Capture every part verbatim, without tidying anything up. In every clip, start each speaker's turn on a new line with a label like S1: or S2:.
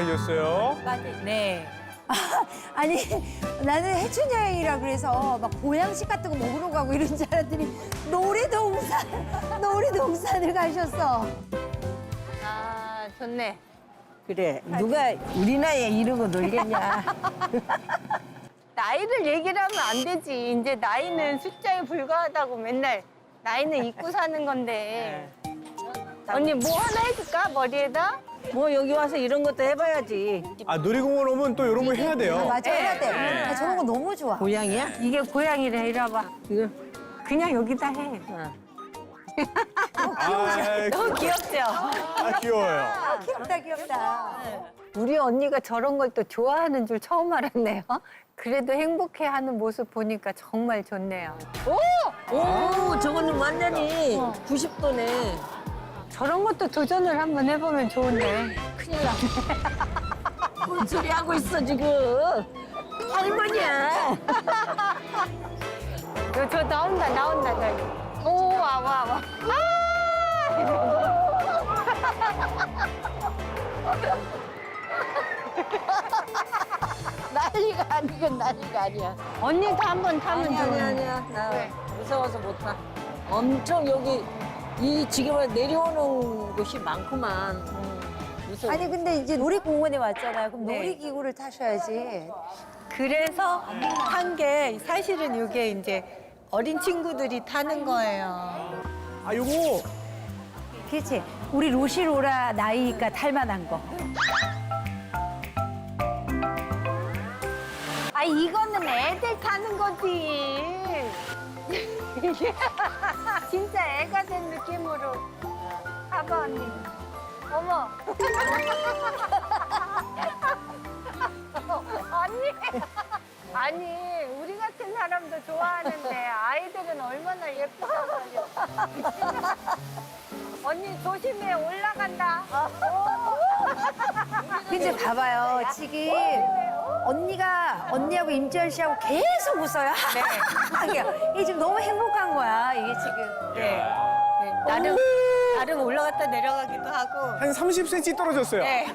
S1: 하셨어요?
S2: 네.
S3: 아니 나는 해춘 여행이라 그래서 막 보양식 같은 거 먹으러 가고 이런 줄 알았더니 놀이동산 놀이동산을 가셨어.
S2: 아, 좋네.
S4: 그래, 누가 우리 나이에 이러고 놀겠냐.
S2: 나이를 얘기를 하면 안 되지. 이제 나이는 숫자에 불과하다고 맨날 나이는 잊고 사는 건데. 언니 뭐 하나 해줄까? 머리에다?
S4: 뭐 여기 와서 이런 것도 해봐야지.
S1: 아, 놀이공원 오면 또 이런 거 해야 돼요.
S3: 맞아 해야 돼.
S1: 네.
S3: 나 저런 거 너무 좋아.
S4: 고양이야?
S2: 이게 고양이래. 이리 와봐.
S4: 이거.
S2: 그냥 여기다 해.
S4: 어.
S1: 아,
S2: 너무 귀엽죠?
S1: 아, 귀여워요.
S3: 아, 귀엽다 귀엽다.
S2: 우리 언니가 저런 걸 또 좋아하는 줄 처음 알았네요. 그래도 행복해하는 모습 보니까 정말 좋네요.
S4: 오, 저거는 완전히 구십 도네.
S2: 저런 것도 도전을 한번 해보면 좋은데.
S4: 큰일 났네. 뭔 소리 하고 있어, 지금. 할머니야.
S2: 저, 저 나온다, 나온다, 저기. 오, 와, 와, 와.
S4: 난리가 아니건 난리가 아니야.
S2: 언니도 한번 타면
S4: 아니,
S2: 좋은데.
S4: 아니, 아니야. 나
S2: 왜?
S4: 무서워서 못 타. 엄청 여기, 이 지금 내려오는 곳이 많구만. 음, 무서워.
S3: 아니 근데 이제 놀이공원에 왔잖아요. 그럼
S2: 네.
S3: 놀이기구를 타셔야지.
S2: 그래서 한 게 사실은 이게 이제 어린 친구들이 타는 거예요.
S1: 아, 요거
S3: 그렇지. 우리 로시로라 나이가 탈만한 거.
S2: 아, 이거는 애들 타는 거지. 진짜 애가 된 느낌으로. 봐봐, 언니. 어머. 언니. 아니, 우리 같은 사람도 좋아하는데 아이들은 얼마나 예쁘다고. 언니, 조심해. 올라간다.
S3: 근데 봐봐요. 지금 언니가 언니하고 임지연 씨하고 계속 웃어요.
S2: 네.
S3: 하게요. 이게 지금 너무 행복한 거야. 이게 지금.
S2: 네. 네. 나름, 나름 올라갔다 내려가기도 하고.
S1: 한 삼십 센티미터 떨어졌어요.
S2: 네.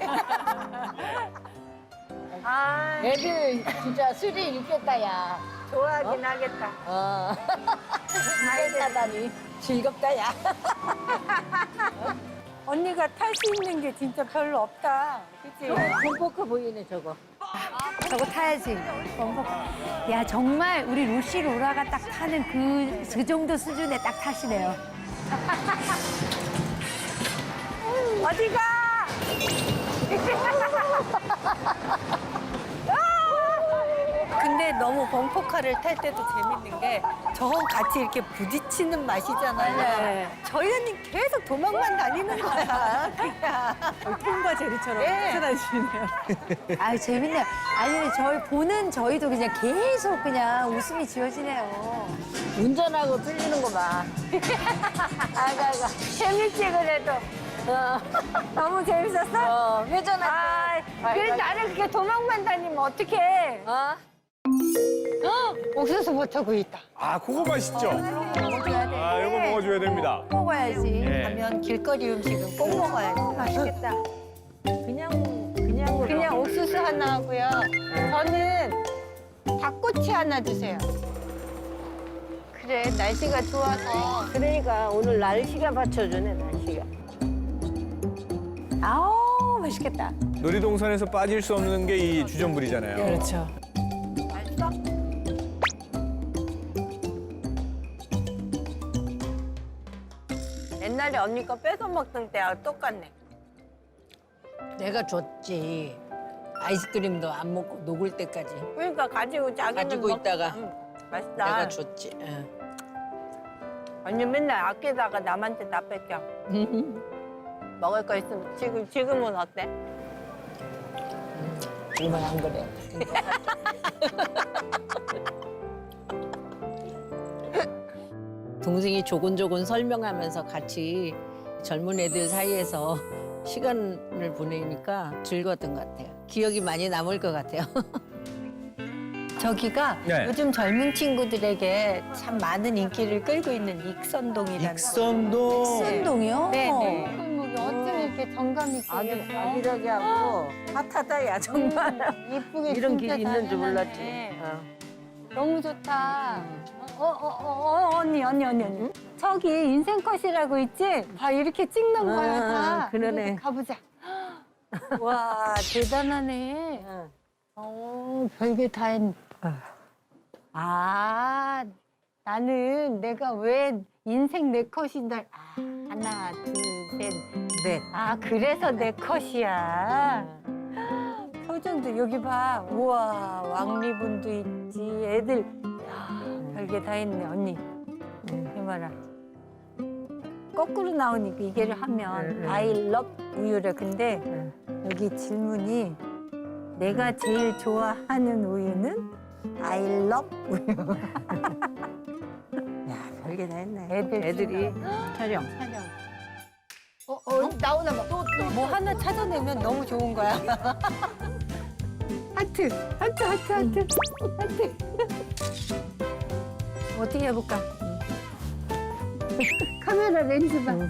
S2: 아,
S4: 애들 진짜 스릴 있겠다, 야.
S2: 좋아하긴 하겠다.
S4: 어. 아이들 하다니. 즐겁다, 야.
S2: 언니가 탈 수 있는 게 진짜 별로 없다. 그치?
S4: pompo크 보이네, 저거.
S3: 저거 타야지. 범벅. 야 정말 우리 로시 로라가 딱 타는 그, 그 정도 수준에 딱 타시네요.
S2: 어디가? 근데 너무 범퍼카를 탈 때도 재밌는 게 저건 같이 이렇게 부딪히는 맛이잖아요.
S3: 네.
S2: 저희 언니 계속 도망만 다니는 거야. 그냥. 톰과 제리처럼 쫓아다니시네요.
S3: 아유 재밌네요. 아니 근데 저희 보는 저희도 그냥 계속 그냥 웃음이 지어지네요.
S4: 운전하고 틀리는 거 봐.
S2: 아이고, 아이고. 재밌지, 그래도.
S4: 어.
S2: 너무 재밌었어?
S4: 어, 회전할
S2: 아,
S4: 아이고,
S2: 그래
S4: 아이고.
S2: 나를 그렇게 도망만 다니면 어떡해.
S4: 어?
S2: 옥수수 버터구이 있다.
S1: 아, 그거 맛있죠?
S3: 먹어줘야 돼.
S1: 아, 요거 먹어줘야 됩니다.
S3: 먹어야지.
S1: 예.
S2: 가면 길거리 음식은 꼭 먹어야지.
S3: 맛있겠다.
S4: 그냥, 그냥으로.
S2: 그냥 옥수수 하나 하고요. 저는 닭꼬치 하나 주세요. 그래, 날씨가 좋아서.
S4: 그러니까 오늘 날씨가 받쳐주네, 날씨가.
S3: 아우 맛있겠다.
S1: 놀이동산에서 빠질 수 없는 게 이 주전부리잖아요.
S2: 그렇죠. 옛날에 언니 거 뺏어 먹던 때하고 똑같네.
S4: 내가 줬지. 아이스크림도 안 먹고 녹을 때까지.
S2: 그러니까 가지고 자기는
S4: 가지고
S2: 먹-
S4: 있다가
S2: 응, 맛있다.
S4: 내가 줬지. 응.
S2: 언니 맨날 아끼다가 남한테 다 뺏겨. 먹을 거 있으면 지금 지금은 어때?
S4: 이건 안 그래. 동생이 조곤조곤 설명하면서 같이 젊은 애들 사이에서 시간을 보내니까 즐거웠던 것 같아요. 기억이 많이 남을 것 같아요.
S2: 저기가
S1: 네.
S2: 요즘 젊은 친구들에게 참 많은 인기를 끌고 있는 익선동이라는.
S1: 익선동.
S3: 순동이요?
S2: 네네. 골목이 어쩜 이렇게 정감 있게
S4: 아기,
S2: 얘기했어.
S4: 아기라기 하고 핫하다, 야, 정말.
S2: 이쁘게
S4: 이런
S2: 진짜
S4: 길이 있는 줄
S2: 잘
S4: 몰랐지.
S2: 해놨네.
S4: 어.
S2: 너무 좋다. 어, 어, 어, 어, 언니, 언니, 언니, 언니. 저기 인생컷이라고 있지? 봐, 이렇게 찍는 거야,
S4: 아,
S2: 다.
S4: 그러네.
S2: 우리 가보자. 와, 대단하네.
S4: 어.
S2: 어, 별게 다 했네. 아, 나는 내가 왜 인생 내 컷인데. 아, 하나, 둘, 셋.
S4: 네.
S2: 아, 그래서 내 컷이야. 표정도 여기 봐. 우와, 왕리분도 있지. 애들. 야, 별게 다 했네, 언니. 해봐라. 거꾸로 나오니까 이게를 하면
S4: 응, 응.
S2: I love 우유래. 근데 여기 질문이 내가 제일 좋아하는 우유는 I love 우유.
S4: 야, 별게 다 했네.
S2: 애들
S4: 애들이 촬영.
S2: 촬영. 어, 어, 나오나 봐. 또, 또, 뭐 하나 찾아내면 너무 좋은 거야. 하트, 하트, 하트, 하트, 하트. 어떻게 해볼까? 카메라 렌즈 봐.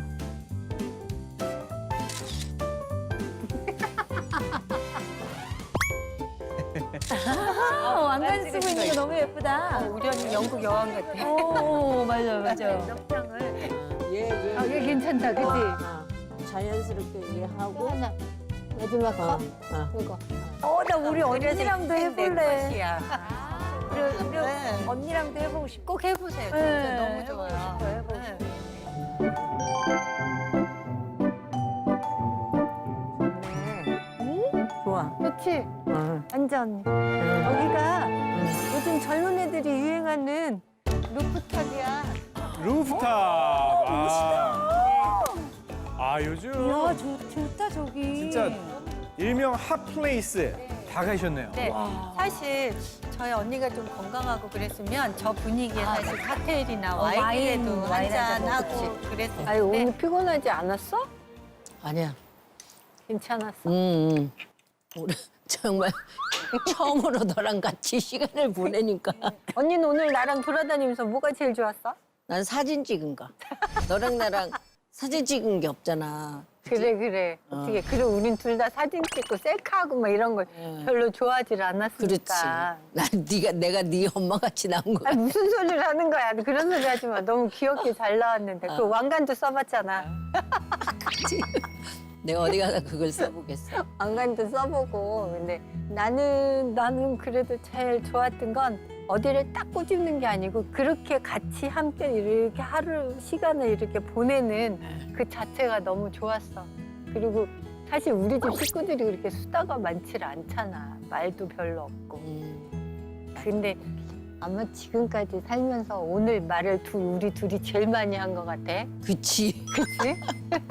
S3: 어, 왕관 쓰고 있는 거 너무 예쁘다.
S2: 우리 언니 영국 여왕 같아.
S3: 오, 맞아, 맞아.
S2: 넉장을.
S4: 예, 예.
S2: 아, 얘 괜찮다, 그치?
S4: 어. 자연스럽게
S2: 또
S4: 이해하고.
S2: 하나. 마지막
S4: 어,
S2: 컷?
S4: 어.
S2: 이거.
S3: 어, 나 우리 언니랑도
S2: 내
S3: 해볼래.
S2: 컷이야.
S3: 우리, 우리
S2: 네.
S3: 언니랑도 해보고 싶어.
S2: 꼭 해보세요. 진짜
S3: 네,
S2: 너무 좋아요.
S3: 해보고 싶어요, 해보고
S2: 네.
S4: 네. 좋아.
S2: 그치?
S4: 어.
S2: 완전.
S4: 응.
S2: 여기가
S4: 응.
S2: 요즘 젊은 애들이 유행하는 루프탑이야.
S1: 루프탑. 아, 아 요즘
S3: 야, 좋, 좋다, 저기.
S1: 진짜 일명 핫플레이스 다 가셨네요.
S2: 네. 사실 저희 언니가 좀 건강하고 그랬으면 저 분위기에 사실 칵테일이나
S3: 어,
S2: 와인이라도
S3: 와인, 와인
S2: 한잔
S3: 한잔
S2: 하고
S3: 먹지.
S2: 그랬을
S5: 아니 오늘
S2: 텐데
S5: 피곤하지 않았어?
S4: 아니야.
S2: 괜찮았어.
S4: 응, 응. 우리 정말 처음으로 너랑 같이 시간을 보내니까
S2: 언니는 오늘 나랑 돌아다니면서 뭐가 제일 좋았어?
S4: 난 사진 찍은 거. 너랑 나랑 사진 찍은 게 없잖아.
S2: 그래 그래.
S4: 어.
S2: 어떻게 그래 우린 둘 다 사진 찍고 셀카하고 막 이런 걸
S4: 응.
S2: 별로 좋아하질 않았으니까.
S4: 그렇지. 난 네가 내가 네 엄마 같이 나온 거야.
S2: 아니, 무슨 소리를 하는 거야. 그런 소리 하지 마. 너무 귀엽게 잘 나왔는데. 그 왕관도 써봤잖아.
S4: 내가 어디 가서 그걸 써보겠어.
S2: 왕관도 써보고. 근데 나는, 나는 그래도 제일 좋았던 건 어디를 딱 꼬집는 게 아니고 그렇게 같이 함께 이렇게 하루 시간을 이렇게 보내는 그 자체가 너무 좋았어. 그리고 사실 우리 집 식구들이 그렇게 수다가 많지를 않잖아. 말도 별로 없고.
S4: 음.
S2: 근데 아마 지금까지 살면서 오늘 말을 두, 우리 둘이 제일 많이 한 것 같아.
S4: 그치.
S2: 그치?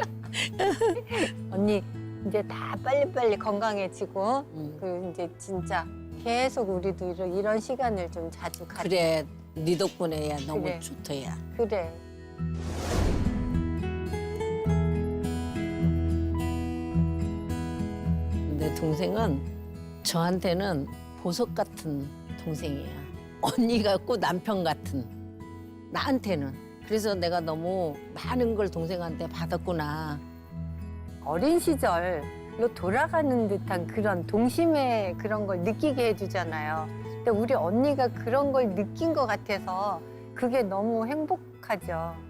S2: 언니 이제 다 빨리빨리 건강해지고
S4: 음.
S2: 그 이제 진짜 계속 우리도 이런, 이런 시간을 좀 자주 가져.
S4: 그래. 네 덕분에 야 너무
S2: 그래.
S4: 좋다 야.
S2: 그래.
S4: 내 동생은 저한테는 보석 같은 동생이야. 언니 같고 남편 같은. 나한테는. 그래서 내가 너무 많은 걸 동생한테 받았구나.
S2: 어린 시절로 돌아가는 듯한 그런 동심의 그런 걸 느끼게 해주잖아요. 근데 우리 언니가 그런 걸 느낀 것 같아서 그게 너무 행복하죠.